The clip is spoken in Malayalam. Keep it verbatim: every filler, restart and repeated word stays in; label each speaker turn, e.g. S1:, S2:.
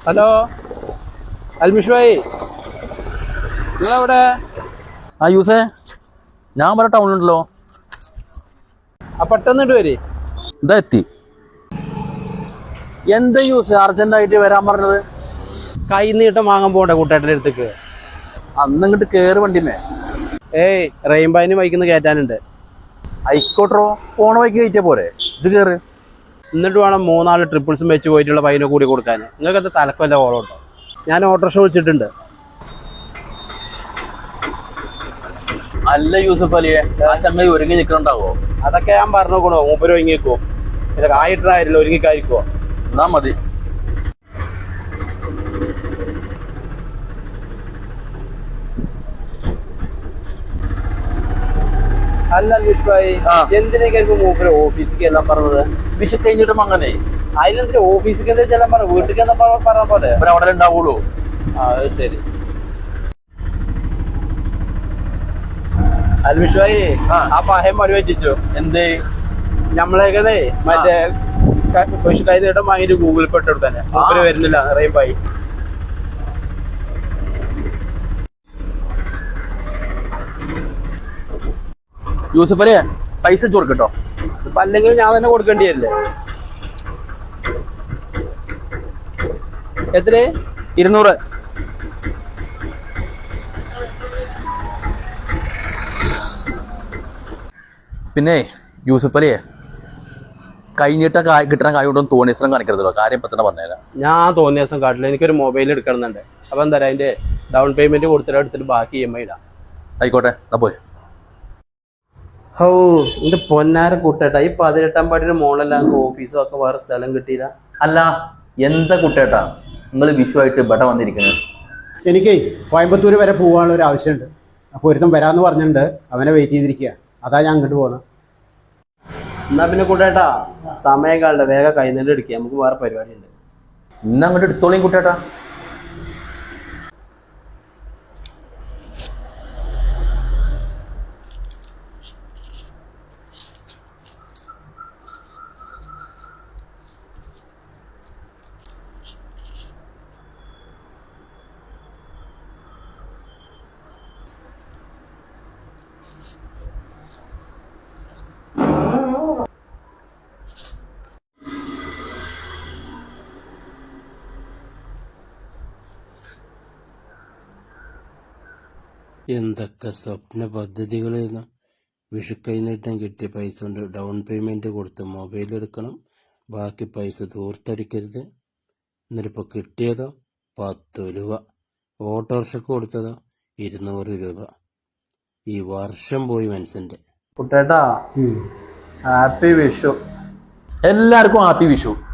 S1: ഹലോ അൽമിഷ് ഭായി, നിങ്ങളെവിടെ?
S2: ആ യൂസേ, ഞാൻ വരെ ടൗണിലുണ്ടല്ലോ.
S1: ആ പെട്ടെന്നിട്ട് വരി.
S2: ഇതാ എത്തി. എന്താ യൂസ് അർജന്റായിട്ട് വരാൻ പറഞ്ഞത്?
S1: കൈ നീട്ടം വാങ്ങാൻ പോകണ്ടേ കൂട്ടേട്ടൻ്റെ അടുത്തേക്ക്?
S2: അന്ന് ഇങ്ങോട്ട് കേറ് വണ്ടിമേ.
S1: ഏയ് റെയിൻബൈന് വൈക്കുന്ന കയറ്റാനുണ്ട്.
S2: ആയിക്കോട്ടോ, പോണ വൈക്ക് കയറ്റിയ പോരെ, ഇത് കേറ്.
S1: എന്നിട്ട് വേണം മൂന്നാല് ട്രിപ്പിൾസും വെച്ച് പോയിട്ടുള്ള പൈന കൂടി കൊടുക്കാൻ. നിങ്ങൾക്ക് എന്താ തലക്കല്ല ഓളം ഉണ്ടോ? ഞാൻ ഓട്ടോറിക്ഷ വിളിച്ചിട്ടുണ്ട്.
S2: അല്ല യൂസഫ് അലിയെ, ആ ചങ്ങായി ഒരുങ്ങി നിൽക്കണ്ടാവോ?
S1: അതൊക്കെ ഞാൻ പറഞ്ഞോക്കണോ, മൂപ്പര് ഒരുങ്ങിക്കോ. പിന്നെ കായിട്ടായില്ല, ഒരുങ്ങിക്കായിരിക്കോ?
S2: എന്നാ മതി.
S1: അല്ല അൽമിഷ് ഭായി, എന്തിനേക്കായിരിക്കും മൂപ്പര് ഓഫീസിലേക്ക് എല്ലാം പറഞ്ഞത്?
S2: വിഷു കഴിഞ്ഞിട്ടും അങ്ങനെ
S1: അതിനെന്തിനാ ഓഫീസിലേക്ക് എന്താ ചെല്ലാൻ പറഞ്ഞു? വീട്ടിലേക്ക് എന്താ പറഞ്ഞ പോലെ
S2: അവിടെ ഉണ്ടാവുള്ളൂ.
S1: ആ അത് ശരി. അൽമിഷ് ഭായി, ആ പഹയം മറി വെച്ചു.
S2: എന്തേ?
S1: നമ്മളേക്കതേ മറ്റേ പശു കൈ നീട്ടം വാങ്ങിട്ട് ഗൂഗിൾ പേ ഇട്ട് തന്നെ മൂപ്പര് വരുന്നില്ല റെയിൻബായി.
S2: യൂസഫ് അലിയെ, പൈസ ചോർക്കട്ടോ.
S1: അതിപ്പോ അല്ലെങ്കിൽ ഞാൻ തന്നെ കൊടുക്കേണ്ടി വരില്ലേ? എത്ര?
S2: ഇരുന്നൂറ്. പിന്നെ യൂസഫ് അലിയെ, കഴിഞ്ഞിട്ട കിട്ടണ കായ് കൊണ്ടൊന്നും തോന്നിയസം കാണിക്കരുതല്ലോ. കാര്യം ഇപ്പൊ തന്നെ പറഞ്ഞുതരാം.
S1: ഞാൻ തോന്നിയ ദിവസം കാട്ടില്ല, എനിക്കൊരു മൊബൈൽ എടുക്കണമെന്നുണ്ട്. അപ്പൊ എന്താ പറയാ, അതിന്റെ ഡൗൺ പേയ്മെന്റ് കൊടുത്തിട്ട് എടുത്തിട്ട് ബാക്കി ഇ എം ഐ ഇടാം.
S2: ആയിക്കോട്ടെ, എന്നാ പോരെ.
S1: ഓ എന്റെ പൊന്നാര കൂട്ടേട്ടാ, ഈ പതിനെട്ടാം പാട്ടിന്റെ മോളെല്ലാം ഓഫീസും ഒക്കെ വേറെ സ്ഥലം കിട്ടിയില്ല.
S2: അല്ല എന്താ കുട്ടേട്ടാ നിങ്ങൾ വിഷുവായിട്ട് ഇവിടെ വന്നിരിക്കുന്നത്?
S3: എനിക്ക് കോയമ്പത്തൂർ വരെ പോകാനുള്ള ഒരു ആവശ്യമുണ്ട്. അപ്പോൾ ഒരുത്തം വരാമെന്ന് പറഞ്ഞിട്ടുണ്ട്, അവനെ വെയിറ്റ് ചെയ്തിരിക്കുക. അതാ ഞാൻ അങ്ങോട്ട് പോകുന്നത്.
S1: എന്നാ പിന്നെ കൂട്ടേട്ടാ, സമയം കാളുടെ വേഗം കൈനീട്ട് എടുക്കുക, നമുക്ക് വേറെ പരിപാടി ഉണ്ട്.
S2: ഇന്ന് അങ്ങോട്ട് എടുത്തോളിയും കുട്ടേട്ടാ.
S1: എന്തൊക്കെ സ്വപ്ന പദ്ധതികളായിരുന്നു. വിഷു കൈനീട്ടം കിട്ടിയ പൈസ കൊണ്ട് ഡൗൺ പേയ്മെന്റ് കൊടുത്ത് മൊബൈൽ എടുക്കണം, ബാക്കി പൈസ ദൂർത്തടിക്കരുത്. എന്നിട്ടിപ്പോൾ കിട്ടിയതോ പത്ത് രൂപ, ഓട്ടോറിക്ഷക്ക് കൊടുത്തതോ ഇരുന്നൂറ് രൂപ. ഈ വർഷം പോയി മനസ്സിന്റെ. കുട്ടേട്ടാ, ഹാപ്പി വിഷു.
S2: എല്ലാവർക്കും ഹാപ്പി വിഷു.